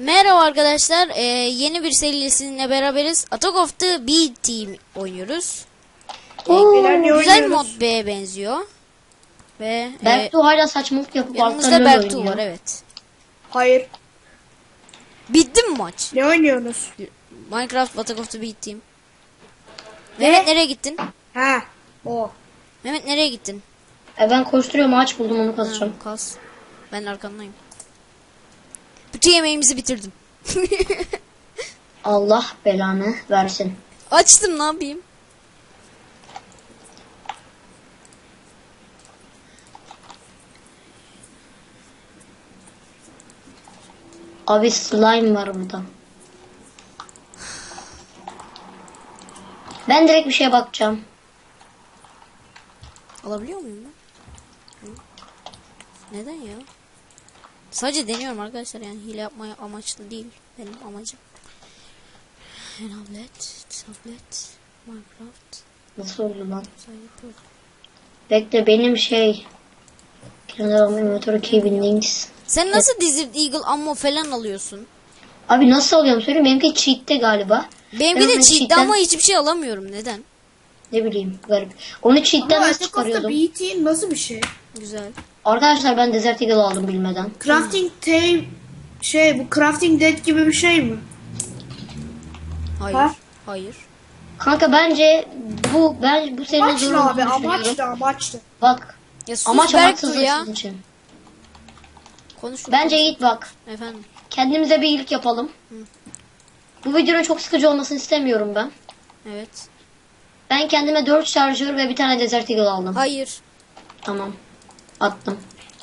Merhaba arkadaşlar. Yeni bir seriyle sizinle beraberiz. Attack of the B Team oynuyoruz. Güzel mod B'ye benziyor. Ve Berktu hala saçmalık yapıp yanımızda Berktu var, evet. Hayır. Bitti mi maç? Ne oynuyorsunuz? Minecraft Attack of the B Team. Mehmet nereye gittin? Ha, o. Mehmet nereye gittin? Ben koşturuyorum, ağaç buldum, onu kazacağım. Kas. Ben arkandayım. Bütün yemeğimizi bitirdim. Allah belanı versin. Açtım, ne yapayım? Abi slime var burada. Ben direkt bir şeye bakacağım. Alabiliyor muyum ben? Neden ya? Sadece deniyorum arkadaşlar, yani hile yapmaya amaçlı değil benim amacım. Tablet, Minecraft. Nasıl oldu lan? Sayı. Bekle, benim Inventory Key Bindings. Sen nasıl Desert Eagle ammo falan alıyorsun? Abi nasıl alıyorum söyleyeyim, benimki cheat'te galiba. Benimki Ben de cheat'te cheat'ten- ama hiçbir şey alamıyorum. Neden? Ne bileyim, garip. Onu cheat'ten Ama nasıl Attack of the çıkarıyordum? BT nasıl bir şey? Güzel. Arkadaşlar ben Desert Eagle aldım bilmeden. Crafting tape bu Crafting Dead gibi bir şey mi? Hayır. Ha? Hayır. Kanka bence bu senin Amaçlı zorunlu abi, amaçlı. Bak. Ya sus Amaç Berktu amaçsızlık ya. sizin için. Konuş. Bence Yiğit bak. Efendim. Kendimize bir iyilik yapalım. Bu videonun çok sıkıcı olmasını istemiyorum ben. Evet. Ben kendime 4 şarjör ve bir tane Desert Eagle aldım. Hayır. Tamam. Attım.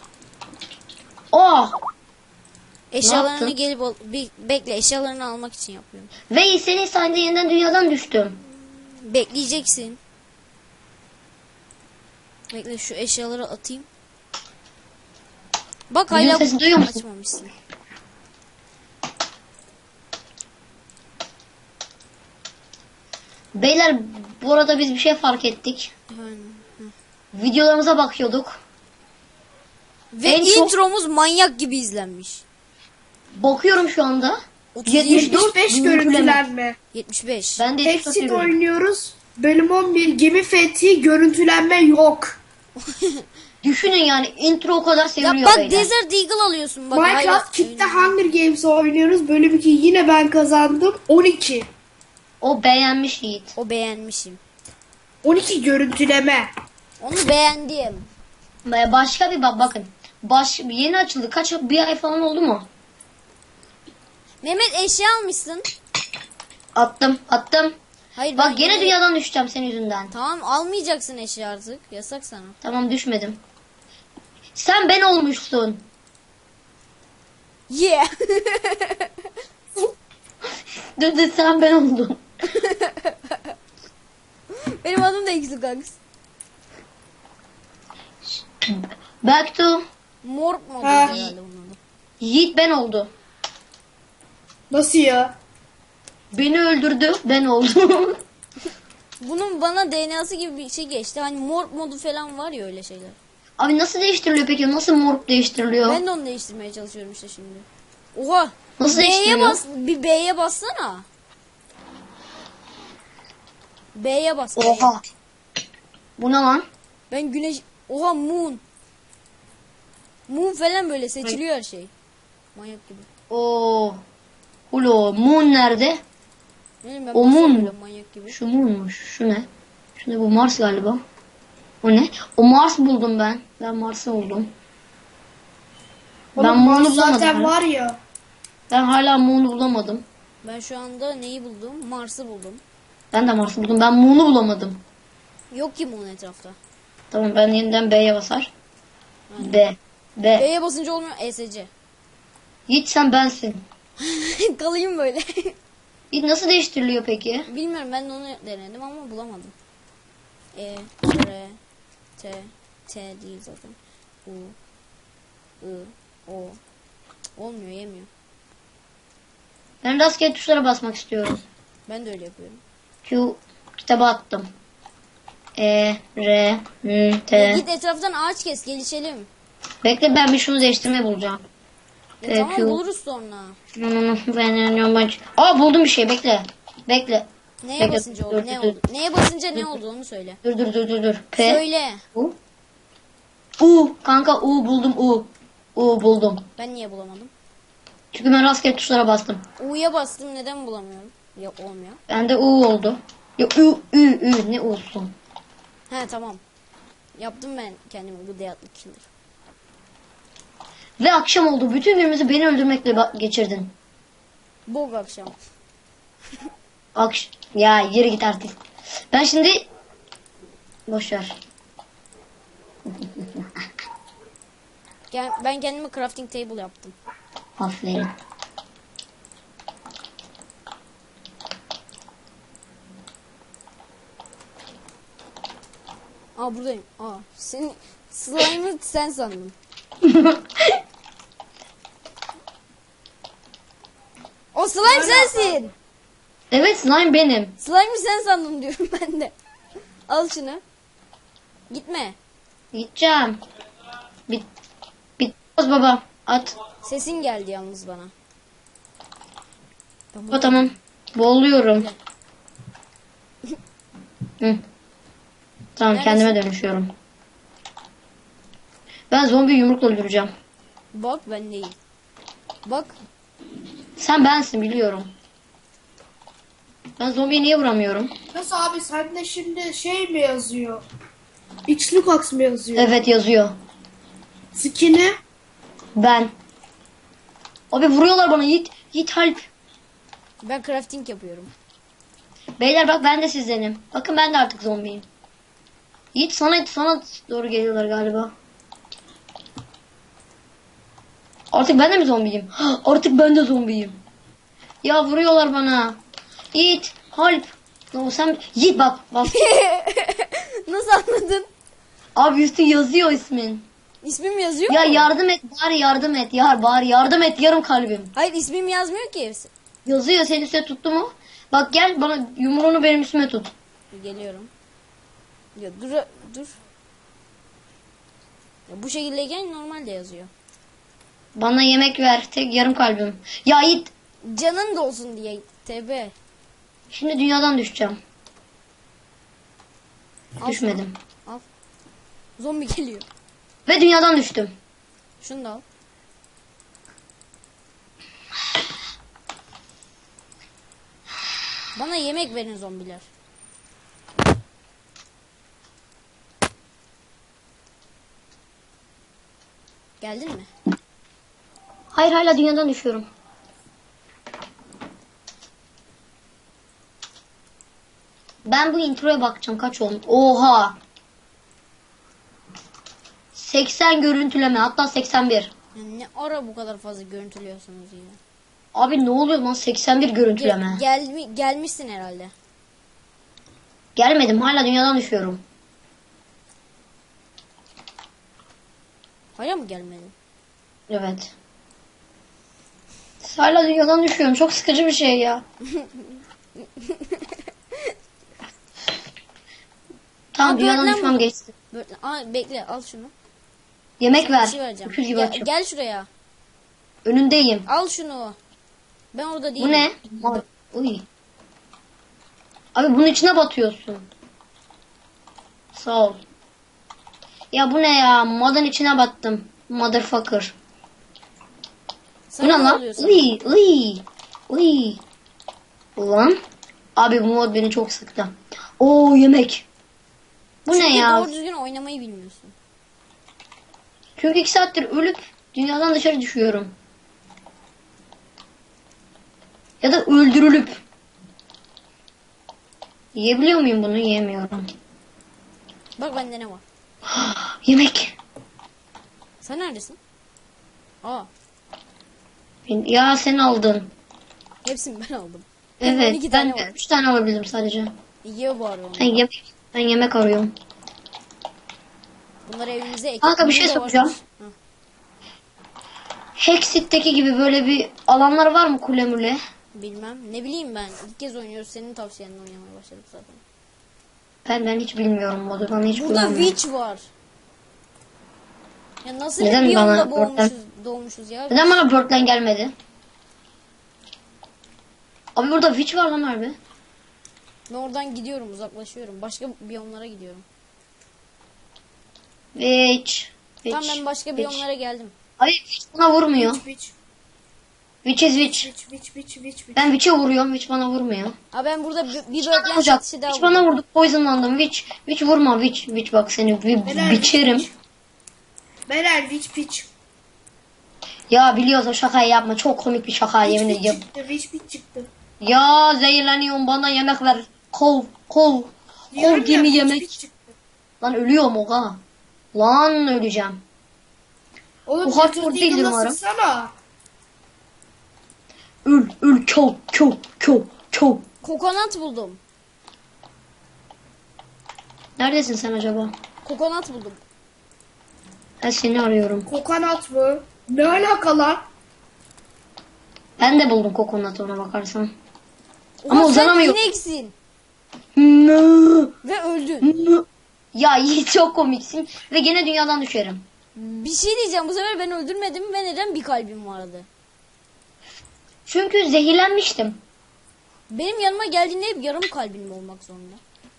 Oh! Eşyalarını yaptın? gelip bekle, eşyalarını almak için yapıyorum. Ve senin sayende yeniden dünyadan düştüm. Bekleyeceksin. Bekle, şu eşyaları atayım. Bak Benim hala sesimi duyuyor musun? açmamışsın. Beyler, bu arada biz bir şey fark ettik. Efendim. Videolarımıza bakıyorduk. Ve En çok- intromuz manyak gibi izlenmiş. Bakıyorum şu anda. 75 görüntülenme. 75. Ben de Exit tutuyorum. oynuyoruz. Bölüm 11 gemi fethi, görüntülenme yok. Düşünün yani, intro o kadar Ya seviliyor bak, beyler. Desert Eagle alıyorsun bak. Minecraft hala Kick'te oynuyor. Hunger Games oynuyoruz. Bölüm 2 yine ben kazandım. 12. O beğenmiş Yiğit. O beğenmişim. 12 görüntüleme. Onu beğendim. Başka bir bakın. Yeni açıldı. Bir ay falan oldu mu? Mehmet, eşya almışsın. Attım. Hayır, Bak ben gene dünyadan düşeceğim senin yüzünden. Tamam, almayacaksın eşya artık. Yasak sana. Tamam, düşmedim. Sen ben olmuşsun. Yeah. Dur sen ben oldun. Benim adım da Xlugax. Back to Morp modu Ha. herhalde bunun adı. Yiğit ben oldu. Nasıl ya? Beni öldürdü, ben oldum. Bunun bana DNA'sı gibi bir şey geçti. Hani morp modu falan var ya, öyle şeyler. Abi nasıl değiştiriliyor peki? Nasıl morp değiştiriliyor? Ben de onu değiştirmeye çalışıyorum işte şimdi. Oha. Nasıl B'ye değiştiriliyor? bas. Bir B'ye bassana. B'ye bas. B'ye. Oha. Bu ne lan? Ben güneş... Oha, moon. Moon falan böyle seçiliyor her şey. Manyak gibi. Oo. Ulo, moon nerede? Ne bileyim, ben O moon basıyorum mu? böyle manyak gibi. Şu moonmuş. Şu ne? Şu ne, bu Mars galiba. O ne? O Mars buldum ben. Ben Mars'ı buldum. Ben Oğlum Moon'u Mars bulamadım. zaten hala. var ya. Ben hala Moon'u bulamadım. Ben şu anda neyi buldum? Mars'ı buldum. Ben de Mars'ı buldum. Ben Moon'u bulamadım. Yok ki Moon etrafta. Tamam, ben yeniden B'ye basar. B. B. B'ye basınca olmuyor. ESC. Yiğit sen bensin. Kalayım böyle. Yiğit nasıl değiştiriliyor peki? Bilmiyorum, ben de onu denedim ama bulamadım. R, T değil zaten. U, I, O. Cık, olmuyor, yemiyor. Ben rastgele tuşlara basmak istiyorum. Ben de öyle yapıyorum. Q kitaba attım. R, N, Ya T. git etraftan ağaç kes, gelişelim. Bekle, ben bir şunu değiştirmeyi bulacağım. Tamam Peki. buluruz sonra. Aa buldum bir şey, bekle. Bekle. Neye Bekle, basınca oldu? dur, Ne dur, oldu? Neye basınca ne oldu onu söyle. Dur. P. Söyle. U. Kanka U buldum U. U buldum. Ben niye bulamadım? Çünkü ben rastgele tuşlara bastım. U'ya bastım neden bulamıyorum? Ya olmuyor. Bende U oldu. Ya Ü ne olsun. He tamam. Yaptım ben kendimi bu deyatlı killer. Ve akşam oldu. Bütün günümüzü beni öldürmekle geçirdin. Bog akşam. Ya yürü git artık. Ben şimdi boşver. Ben kendime crafting table yaptım. Aferin. Aa buradayım. Aa senin slime'ı sen sandın. O slime sensin. Evet, slime benim. Slime'ı sen sandın diyorum ben de. Al şunu. Gitme. Gideceğim. Bitmez baba. At. Sesin geldi yalnız bana. O tamam. Boğuluyorum. Hı. Tamam, Neredesin? kendime dönüşüyorum. Ben zombi yumrukla öldüreceğim. Bak ben değil. Bak. Sen bensin, biliyorum. Ben zombiye niye vuramıyorum? Nasıl abi sende şimdi şey mi yazıyor? Xlucas mı yazıyor? Evet, yazıyor. Skin'i Ben. Abi vuruyorlar bana. Yiğit help. Ben crafting yapıyorum. Beyler bak, ben de sizdenim. Bakın, ben de artık zombiyim. Yiğit sana doğru geliyorlar galiba. Artık ben de mi zombiyim? Artık ben de zombiyim. Ya vuruyorlar bana. Yiğit help. No, sen Yiğit bak. Nasıl anladın? Abi üstü yazıyor ismin. İsmim yazıyor Ya mu? yardım et, bari yardım et. Bari yardım et, yarım kalbim. Hayır ismim yazmıyor ki. Yazıyor, senin üstüne tuttu mu? Bak gel, bana yumruğunu benim üstüme tut. Geliyorum. Ya dur. Ya bu şekildeyken normalde yazıyor. Bana yemek ver, tek yarım kalbim. Ya Yiğit, Canın da olsun diye. TB. şimdi dünyadan düşeceğim. Al Düşmedim. şunu, al. Zombi geliyor. Ve dünyadan düştüm. Şunu da al. Bana yemek verin zombiler. Geldin mi? Hayır, hala dünyadan düşüyorum. Ben bu introya bakacağım, kaç oldu? Oha. 80 görüntüleme, hatta 81. Yani ne ara bu kadar fazla görüntülüyorsunuz ya? Abi ne oluyor lan, 81 görüntüleme. Gelmişsin herhalde. Gelmedim, hala dünyadan düşüyorum. Hala mı gelmedin? Evet. Hala dünyadan düşüyorum, çok sıkıcı bir şey ya. Tamam, Aa, dünyadan böğürtlen düşmem mi? geçti. Bekle al şunu. Yemek Bir ver. şey vereceğim. Öküz gibi açım. Gel şuraya. Önündeyim. Al şunu. Ben orada değilim. Bu ne? Uy. Abi bunun içine batıyorsun. Sağ ol. Ya bu ne ya? Modun içine battım. Motherfucker. Bu Sana ne ne lan? oluyor sana? Uy. Ulan. Abi bu mod beni çok sıktı. Oo, yemek. Bu Çünkü ne ya? doğru düzgün oynamayı bilmiyorsun. Çünkü 2 saattir ölüp dünyadan dışarı düşüyorum. Ya da öldürülüp. Yiyebiliyor muyum bunu? Yiyemiyorum. Bak bende ne var. Yemek. Sen neredesin? Aa, Ya sen aldın. hepsini ben aldım. Evet, 12 ben tane var. 3 tane alabildim sadece. Yiyor bu arada Ben onu. yemek arıyorum. Bunları evimize ekip. Kanka, bir şey Burada soracağım. varmış. Hı. Hexit'teki gibi böyle bir alanlar var mı, kule mule? Bilmem. Ne bileyim ben. İlk kez oynuyoruz. Senin tavsiyenle oynamaya başladık zaten. Ben hiç bilmiyorum modu. Bana hiç Burada güvenmiyorum. witch var. Ya nasıl Neden bir bana biyomda oradan- boğulmuşuz doğmuşuz ya. Neden bana Birdland gelmedi? Abi burada witch var lan harbi. Ben oradan gidiyorum, uzaklaşıyorum. Başka biyomlara gidiyorum. Witch. Tamam, ben başka Witch. biyomlara geldim. Hayır witch bana vurmuyor. Witch. Witch is witch. Witch. Ben witch'e vuruyorum. Witch bana vurmuyor. Ha, ben burada bir Witch bana birdland vuracak. satışı daha Witch bana buldum. vurdu. Poisonlandım. Witch vurma. Witch bak seni biçerim. Beyler witch. Ya biliyoruz o şakayı yapma. Çok komik bir şaka yemin ediyorum. Witch çıktı. Ya zehirleniyorum bana yemek ver. Kol Diyorum ya, gemi witch yemek. çıktı. Lan ölüyorum oha. Lan öleceğim. Oğlum Bu hardcore değil Deagle'la umarım. sıksana. Öl çok. Kokonat buldum. Neredesin sen acaba? Kokonat buldum. Ben seni arıyorum. Kokonat mı? Ne alaka lan? Ben de buldum kokonatı ona bakarsan. Ulan Ama sen uzanamıyorum. ineksin. No. Ve öldün. No. Ya Yiğit çok komiksin ve gene dünyadan düşerim. Bir şey diyeceğim, bu sefer ben öldürmedim ve neden bir kalbim vardı? Çünkü zehirlenmiştim. Benim yanıma geldiğinde hep yarım kalbim olmak zorunda.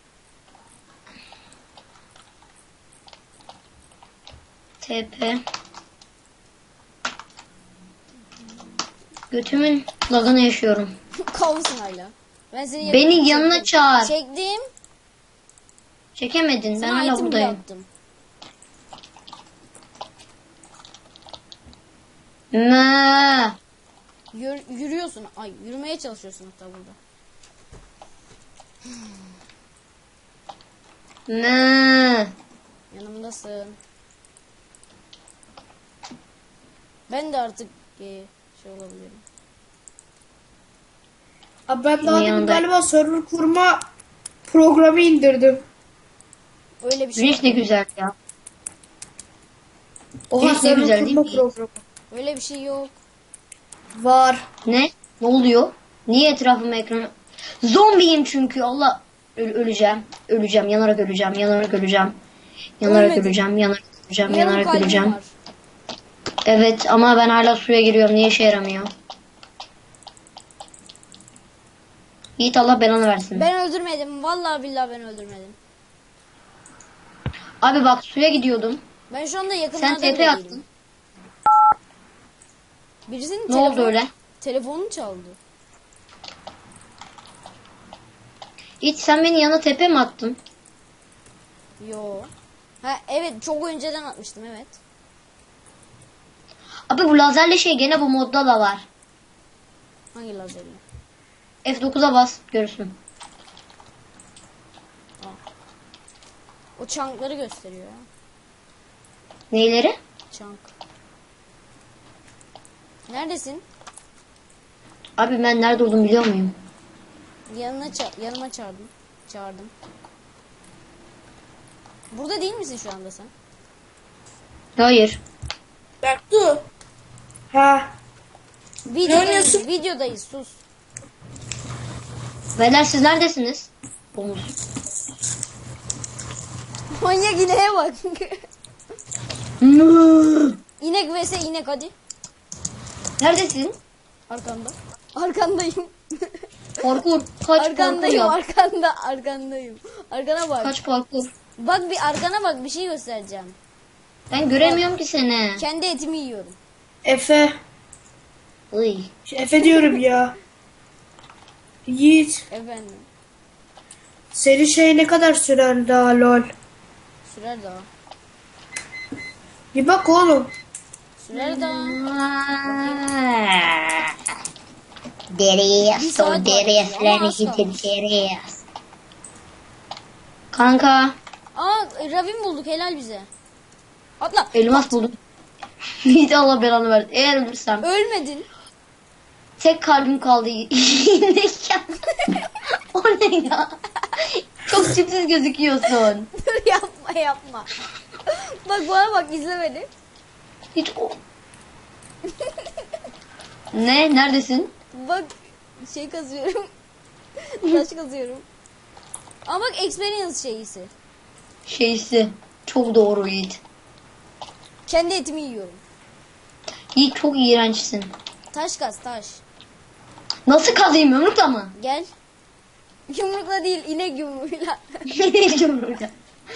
TP. Götümün lagını yaşıyorum. Kalmışsın hala. Ben seni Beni yanına çağır. Çektim. Çekemedin. Ben Sana hala item buradayım. yaptım. Mö. Yürüyorsun. Ay, yürümeye çalışıyorsun hatta burada. Mö. Yanımdasın. Ben de artık şey olabilirim. Abi ben daha demin Yanında. galiba server kurma programı indirdim. Öyle bir şey. Güneş ne güzel ya. Oha Güneş ne server güzel değil kurma mi? programı. Öyle bir şey yok. Var. Ne? Ne oluyor? Niye etrafıma ekranı... Zombiyim çünkü Allah... öleceğim. Öleceğim. Yanarak öleceğim. Yanarak öleceğim. Yanarak Ölmedin. öleceğim. Yanarak öleceğim. Yarım Yanarak kalbim öleceğim. var. Evet ama ben hala suya giriyorum. Niye işe yaramıyor? Yiğit Allah belanı versin. Ben öldürmedim. Vallahi billahi ben öldürmedim. Abi bak suya gidiyordum. Ben şu anda Sen yakınlarda TP bile attın. değilim. Birisinin Ne oldu öyle? telefonunu çaldı. Yiğit sen beni yana tepe mi attın? Yo. Ha evet, çok önceden atmıştım, evet. Abi bu lazerli şey gene bu modda da var. Hangi lazerle? F9'a bas görürsün. O çankları gösteriyor ya. Neyleri? Çank. Neredesin? Abi ben nerede olduğumu biliyor muyum? Yanıma çağırdım. Burada değil misin şu anda sen? Hayır. Berktu. Ha. Videodayız, videodayız, sus. Beyler siz neredesiniz? Omuz. Manyak ineğe bak. Mı? İnek vs inek, hadi. Neredesin? Arkanda. Arkandayım. Parkur. Kaç parkur Arkandayım, yap. arkandayım. Arkana bak. Kaç parkur. Bak bir arkana bak, bir şey göstereceğim. Ben göremiyorum ki seni. Kendi etimi yiyorum. Efe. Iy. Efe diyorum ya. Yiğit. Efendim. Senin şey ne kadar sürer daha lol. Sürer daha. Bir bak oğlum. Sürer daha. Bir Deriz, saat o var deriz, ama az lan kalmış. deriz. Kanka, Aa, ravin bulduk, helal bize. Atla. elmas buldum. Hiç Allah belanı versin. Eğer ölürsem Ölmedin. tek kalbim kaldı. O ne ya? Çok tipsiz gözüküyorsun. Dur, yapma. Bak bana bak, izle beni. Hiç o... Ne? Neredesin? Bak şey kazıyorum. Taş kazıyorum. Ama bak, experience şeyisi. Şeysi. Çok doğru Yiğit. Kendi etimi yiyorum. Yiğit çok iğrençsin. Taş kaz taş. Nasıl kazayım, yumrukla mı? Gel. Yumrukla değil inek yumruğuyla. Yumrukla.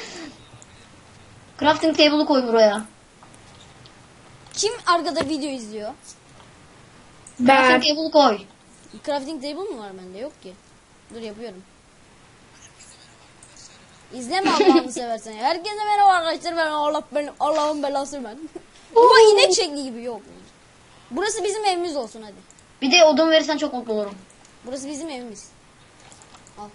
Crafting table'ı koy buraya. Kim arkada video izliyor? Ben. Crafting table'ı koy. Crafting table mı var bende? Yok ki. Dur yapıyorum. İzleme Allah'ını seversen. Herkese merhaba arkadaşlar. Ben Allah'ın belası ben. Ama inek şekli gibi yok. Burası bizim evimiz olsun hadi. Bir de odun verirsen çok mutlu olurum. Burası bizim evimiz. Al.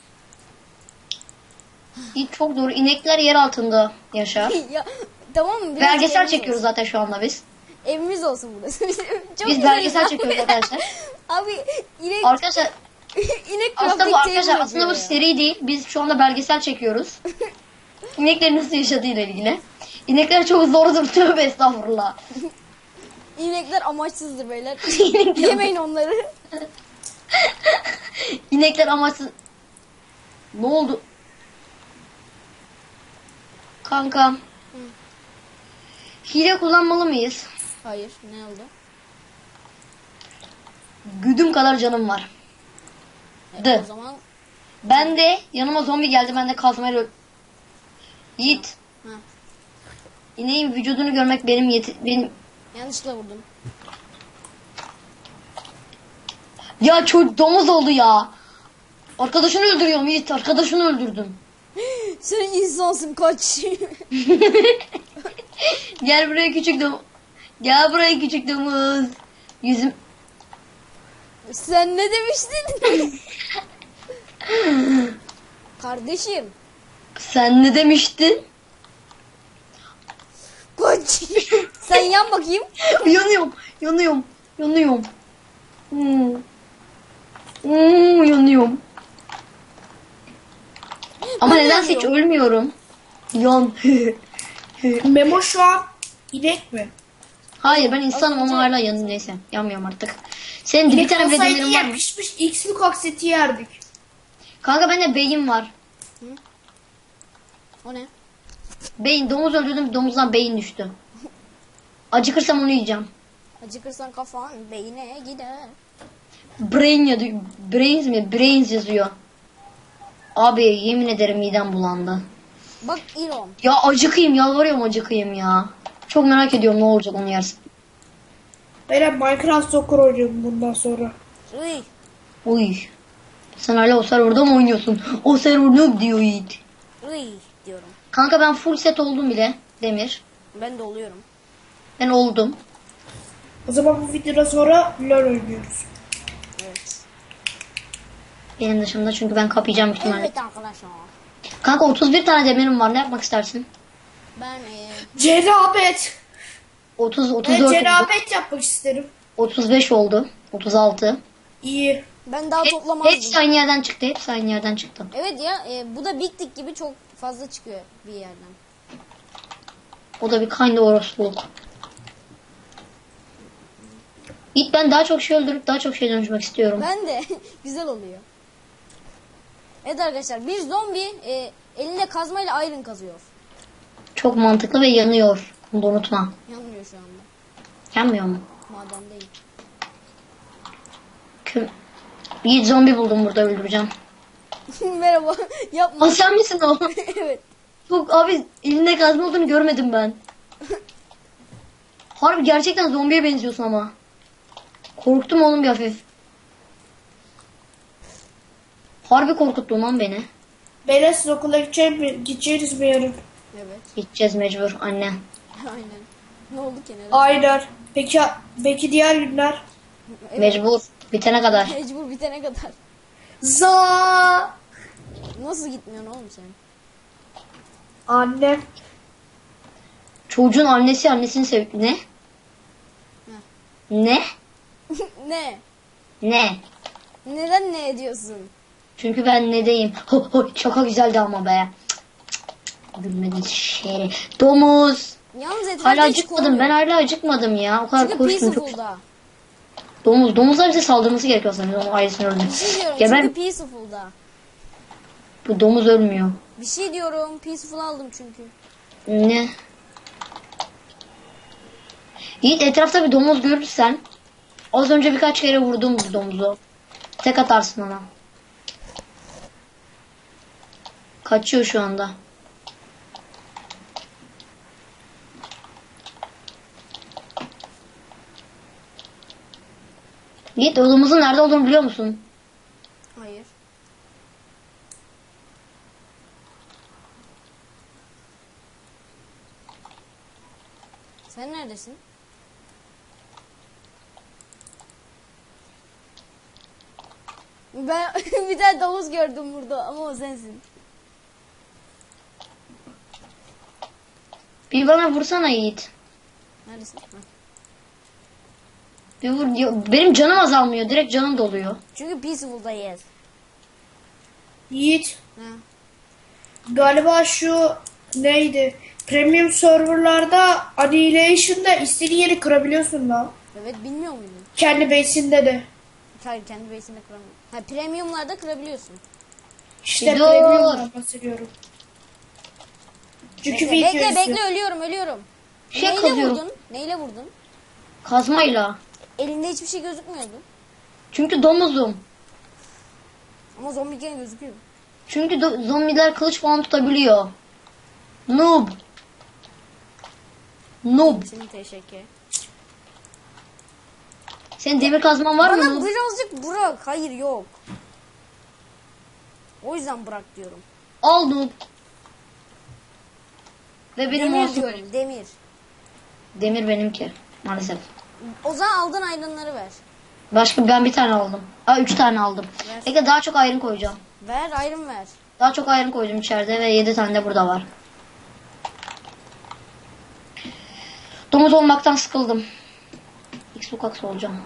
Yiğit çok doğru. İnekler yer altında yaşar. Ya tamam mı? Biraz Belgesel evimiz çekiyoruz olsun. zaten şu anda biz. Evimiz olsun burası. Çok Biz güzel belgesel ya. çekiyoruz arkadaşlar. Abi inek Arkadaşlar inek aslında crafting bu table arkadaşlar aslında bu yapıyor ya. seri değil. Biz şu anda belgesel çekiyoruz. İneklerin nasıl yaşadığıyla ilgili. İnekler çok zordur. Tövbe estağfurullah. İnekler amaçsızdır beyler. İnekler- Yemeyin onları. İnekler amaçsız. Ne oldu? Kanka. Hile kullanmalı mıyız? Hayır ne oldu? Güdüm kadar canım var. Dı. O zaman Ben de yanıma zombi geldi. Ben de kazmayla Yiğit. ha, İneğin vücudunu görmek benim yanlışlıkla vurdum. ya çok domuz oldu ya. Arkadaşını öldürüyorum Yiğit. Arkadaşını öldürdüm. Sen insansın kaç. Gel buraya küçük domuz. Gel buraya küçük domuz. Yüzüm. Sen ne demiştin? Kardeşim. Sen ne demiştin? Kaç. Sen yan bakayım. Yanıyorum. Yanıyorum. Yanıyorum. Hmm. Yanıyorum. Ama Ben de nedense hiç yanıyorum. ölmüyorum. Yan. Memo şu an inek mi? Hayır ben insanım ama hala yanım neyse. Yanmıyorum artık. Senin bir İnek tane bile olsaydı demirin var ya mı? pişmiş X mi kokseti yerdik. Kanka bende beyin var. O ne? Beyin. Domuz öldürdüm. Domuzdan beyin düştü. Acıkırsam onu yiyeceğim. Acıkırsan kafan beyine gider. Brain ya Brains mi? Brains yazıyor. Abi yemin ederim midem bulandı. Bak İron. Ya acıkayım yalvarıyorum acıkayım ya. Çok merak ediyorum ne olacak onu yersin. Ben Minecraft Soccer oynuyorum bundan sonra. Uy. Uy. Sen hala o serverda mı oynuyorsun? O server ne diyor Yiğit. Uy diyorum. Kanka ben full set oldum bile. Demir. Ben de oluyorum. Ben oldum. O zaman bu videodan sonra LoL oynuyoruz. Evet. Benim dışımda çünkü ben kapayacağım ihtimalle. Evet arkadaşlar. Kanka 31 tane demirim var. Ne yapmak istersin? Ben Cenabet. 30, Ben 34 oldu. cenabet yapmak isterim. 35 oldu. 36. İyi. ben daha Hepsi toplamazdım. aynı yerden çıktı. Hepsi aynı yerden çıktı. Evet ya bu da Big Dick gibi çok fazla çıkıyor bir yerden. O da bir kind orospuluk. İlk ben daha çok şey öldürüp daha çok şey dönüşmek istiyorum. Ben de güzel oluyor. Evet arkadaşlar bir zombi elinde kazmayla iron kazıyor. Çok mantıklı ve yanıyor. Bunu da unutma. Yanmıyor şu anda. Yanmıyor mu? Maden değil. Bir zombi buldum burada öldüreceğim. Merhaba. Yapma. Aa, sen misin o? Evet. Çok abi elinde kazma olduğunu görmedim ben. Harbi gerçekten zombiye benziyorsun ama. Korktum oğlum bir hafif. Harbi korkuttun lan beni. Beyler siz okula gideceğiniz mi yarın? Evet. Gideceğiz mecbur anne. Aynen. Ne oldu ki neden? Aynen. Peki diğer günler? Evet. Mecbur. Bitene kadar. Mecbur bitene kadar. Za. Nasıl gitmiyorsun oğlum sen? Annem. Çocuğun annesi annesini sev... Ne? Ne? Ne? Ne? Neden ne ediyorsun? Çünkü ben nedeyim. Ho ho şaka güzeldi ama be. Gülmedin şere. Domuz. Yalnız etrafta Hala hiç acıkmadım. korkmuyor. Ben hala acıkmadım ya. O kadar Çünkü koştum. Çok... peaceful'da. Domuzlar bize saldırması gerekiyor sanırım. Onun ailesini öldü. Bir şey diyorum. Ya Çünkü ben peaceful'da. bu domuz ölmüyor. Bir şey diyorum. Peaceful aldım çünkü. Ne? Yiğit etrafta bir domuz görürsen az önce birkaç kere vurdum bu domuzu. Tek atarsın ona. Kaçıyor şu anda. Yiğit o domuzun nerede olduğunu biliyor musun? Hayır. Sen neredesin? Ben bir tane domuz gördüm burada ama o sensin. Bir bana vursana Yiğit. Neredesin? Ha. Bir vur. Benim canım azalmıyor. Direkt canım doluyor. Çünkü Peaceful'dayız. Yiğit. Ha. Galiba şu neydi? Premium serverlarda Annihilation'da istediğin yeri kırabiliyorsun lan. Evet, bilmiyor muydun? Kendi base'inde de. Hayır, kendi base'inde kıramıyorsun. Ha, premiumlarda kırabiliyorsun. İşte Dur. Premium'dan bahsediyorum. Çünkü Bekle, video bekle, ölüyorum. Şey Neyle kazıyorum. vurdun? Neyle vurdun? Kazmayla. Elinde hiçbir şey gözükmüyordu. Çünkü domuzum. Ama zombiyken gözüküyor. Çünkü zombiler kılıç falan tutabiliyor. Noob. Noob. Şimdi teşekkür. Senin demir kazman var mı? Bana Noob? birazcık bırak. Hayır, yok. O yüzden bırak diyorum. Al Noob. Ve benim Demir olsun. diyorum, demir. Demir benimki. Maalesef. O zaman aldığın aydınları ver. Başka ben bir tane aldım. 3 tane aldım. Ver. Peki daha çok ayrım koyacağım. Ver, ayrım ver. Daha çok ayrım koydum içeride ve 7 tane de burada var. Domuz olmaktan sıkıldım. İlk sokak olacağım.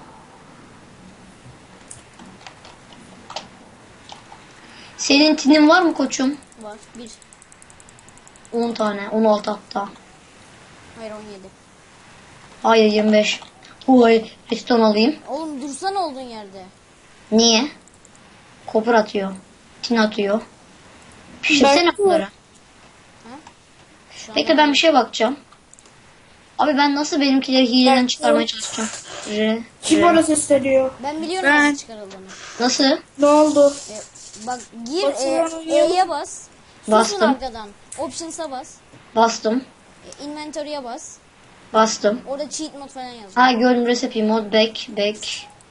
Senin tinin var mı koçum? Var. 1. 10 tane. 16 hatta. Hayır, 17. Hayır 25. Oy, piston alayım. Oğlum dursana olduğun yerde. Niye? Kopur atıyor. Tin atıyor. Pişirsene Ben- bunları. Şu an Bekle ben bir şeye bakacağım. Abi ben nasıl benimkileri hileden çıkarmaya çalışacağım? Kim orası sesleniyor? Ben biliyorum Ben- nasıl çıkarıldığını. Nasıl? Ne oldu? Bak gir, Basıyorum. E'ye bas. Susun Bastım. arkadan. Options'a bas. Bastım. Inventory'e bas. Bastım. Orada cheat mod falan yazıyor. Ha gördüm recipe mod back.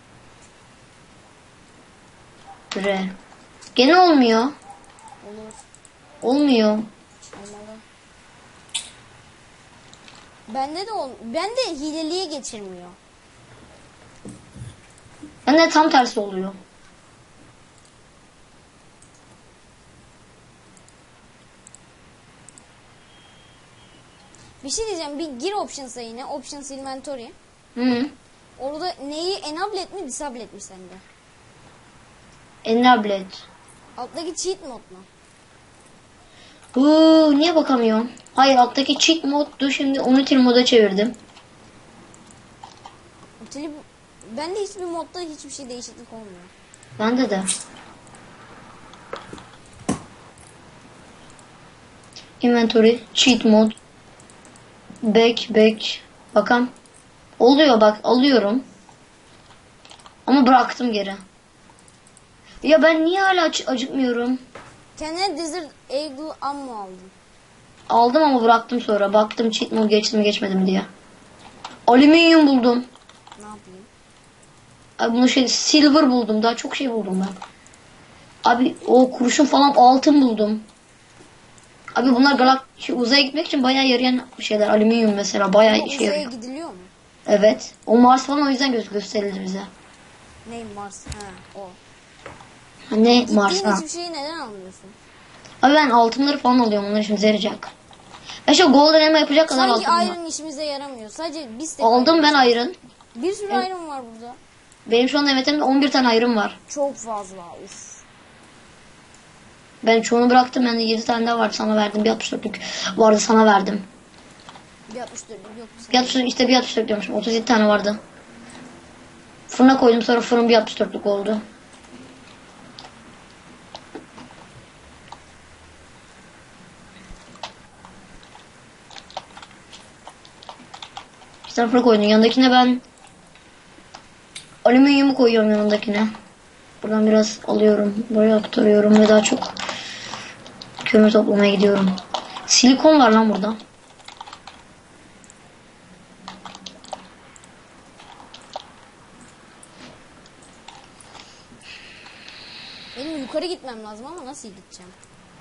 Re. Gene olmuyor. Olur. Olmuyor. Olmalı. Bende hileliğe geçirmiyor. Bende tam tersi oluyor. Bir şey diyeceğim. Bir gir options'a yine. Options inventory. Hı. Orada neyi enable et mi disable et mi sende? Enablet. Alttaki cheat mod mu? Niye bakamıyorum? Hayır alttaki cheat moddu şimdi Unity moda çevirdim. Bende hiçbir modda hiçbir şey değişiklik olmuyor. Bende de. Inventory, cheat mod. Back. Bakalım. Oluyor bak alıyorum. Ama bıraktım geri. Ya ben niye hala acıkmıyorum? Kendine Desert Eagle ammo aldın. Aldım ama bıraktım sonra. Baktım cheat mod geçtim mi geçmedim diye. Alüminyum buldum. Ne yapayım? Abi bunu silver buldum. Daha çok şey buldum ben. Abi o kurşun falan altın buldum. Abi bunlar uzaya gitmek için bayağı yarayan şeyler. Alüminyum mesela bayağı Ama işe uzaya yarıyor. gidiliyor mu? Evet. O Mars falan o yüzden gösterildi bize. Ney Mars? Ha, o. Ne Gittiğin Mars ha. hiçbir şeyi neden almıyorsun? Abi ben altınları falan alıyorum. Onlar işimize yarayacak. Ben şu golden elma yapacak kadar Sanki altınım var. iron işimize yaramıyor. Sadece biz tek Aldım iron. ben iron. Bir sürü Evet. iron var burada. Benim şu anda emetimde 11 tane iron var. Çok fazla. Uf. Ben çoğunu bıraktım. Bende 7 tane daha vardı. Sana verdim. Bir 64'lük vardı sana verdim. Bir 64 yok. Bir 64 işte bir 64 diyormuşum. 37 tane vardı. Fırına koydum sonra fırın bir 64'lük oldu. Stanford koydum. Yanındakine ben alüminyumu koyuyorum yanındakine. Buradan biraz alıyorum. Buraya aktarıyorum ve daha çok kömür toplamaya gidiyorum. Silikon var lan burada. Benim yukarı gitmem lazım ama nasıl gideceğim?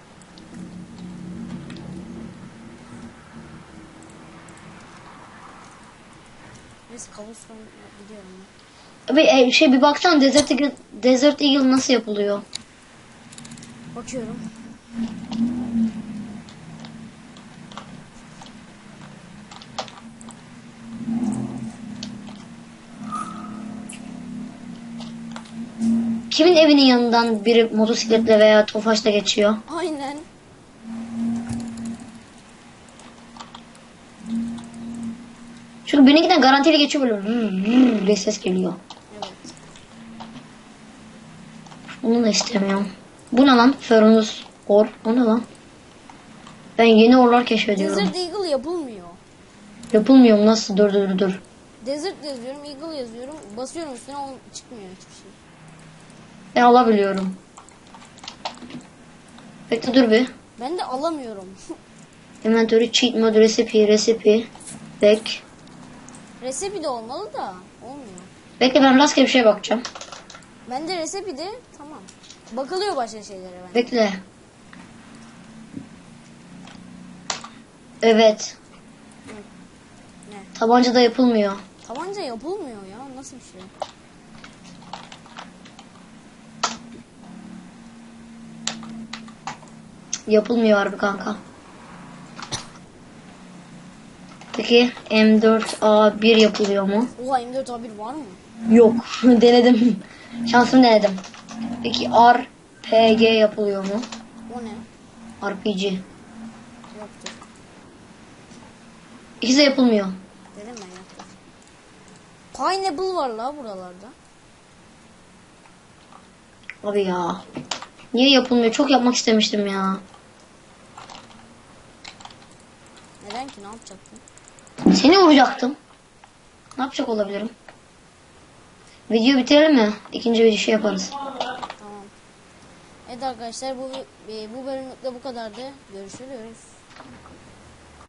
Neyse kabuston gidiyorum ben. Abi bir baksana Desert Eagle nasıl yapılıyor? Bakıyorum. Kimin evinin yanından biri motosikletle veya tofaşla geçiyor? Aynen. Çünkü benimkiden garantili geçiyor böyle diye ses geliyor. Evet. Onu da istemiyorum. Bu ne lan? Ferunus Or. O ne lan? Ben yeni orlar keşfediyorum. Desert Eagle yapılmıyor. Yapılmıyor mu? Nasıl? Dur. Desert yazıyorum, Eagle yazıyorum. Basıyorum üstüne çıkmıyor hiçbir şey. Ben alabiliyorum. Bekle dur bir. Ben de alamıyorum. Inventory, cheat mode, recipe, back. Recipe de olmalı da olmuyor. Bekle ben rastgele bir şeye bakacağım. Ben de recipe de tamam. Bakılıyor başka şeylere ben. Bekle. Evet. Ne? Tabancada yapılmıyor. Tabanca yapılmıyor ya. Nasıl bir şey? Yapılmıyor harbi kanka. Peki M4A1 yapılıyor mu? Oha M4A1 var mı? Yok. Denedim. Şansımı denedim. Peki RPG yapılıyor mu? O ne? RPG. Yoktur. İkisi de yapılmıyor. Dedim ben yoktur. Pineapple var la buralarda. Abi ya. Niye yapılmıyor? Çok yapmak istemiştim ya. Neden ki? Ne yapacaktın? Seni vuracaktım. Ne yapacak olabilirim? Video bitirelim mi? İkinci bir şey yaparız. Tamam. Evet arkadaşlar bu bölümlükte bu kadardı. Görüşürüz.